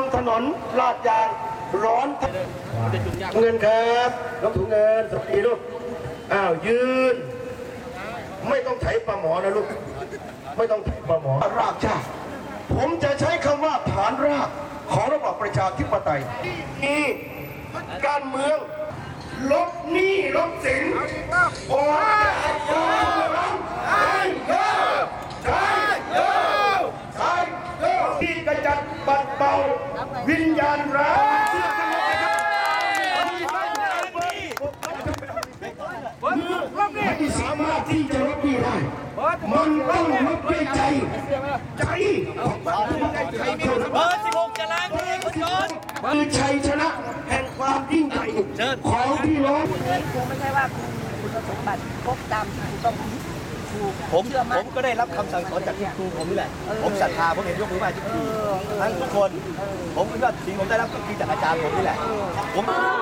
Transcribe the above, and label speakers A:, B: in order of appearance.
A: ถนนลาดยางร้อนเงินครับน้องถุงเงินสวัสดีลูกอ้าวยืนไม่ต้องไถปลาหมอนะลูกไม่ต้องไถปลาหมอรากชาติผมจะใช้คำว่าฐานรากของระบอบประชาธิปไตยนี่การเมืองลดหนี้ลดสินโอ้ยใช่เยอะใช่เยอะใช่เยอะที่กระจัดปัดเป่าวิญญาณร้ายไม่สามารถที่จะลดหนี้ได้มันต้องลดด้วยใจใจ
B: เบอร์16จะล้างมือคุณโจร
A: คือชัยชนะแห่งความยิ่งใหญ่ของพี่น้อง
C: ครูไม่ใช่ว่าคุณสมบัติครบตามที่ต้อง
B: ผมก็ได้รับคำสั่งสอนจากครูผมนี่แหละผมศรัทธาผมเห็นยกมือไหว้ทุกทีทั้งทุกคนผมคิดว่าสิ่งผมได้รับก็คือจากอาจารย์ผมนี่แหละผม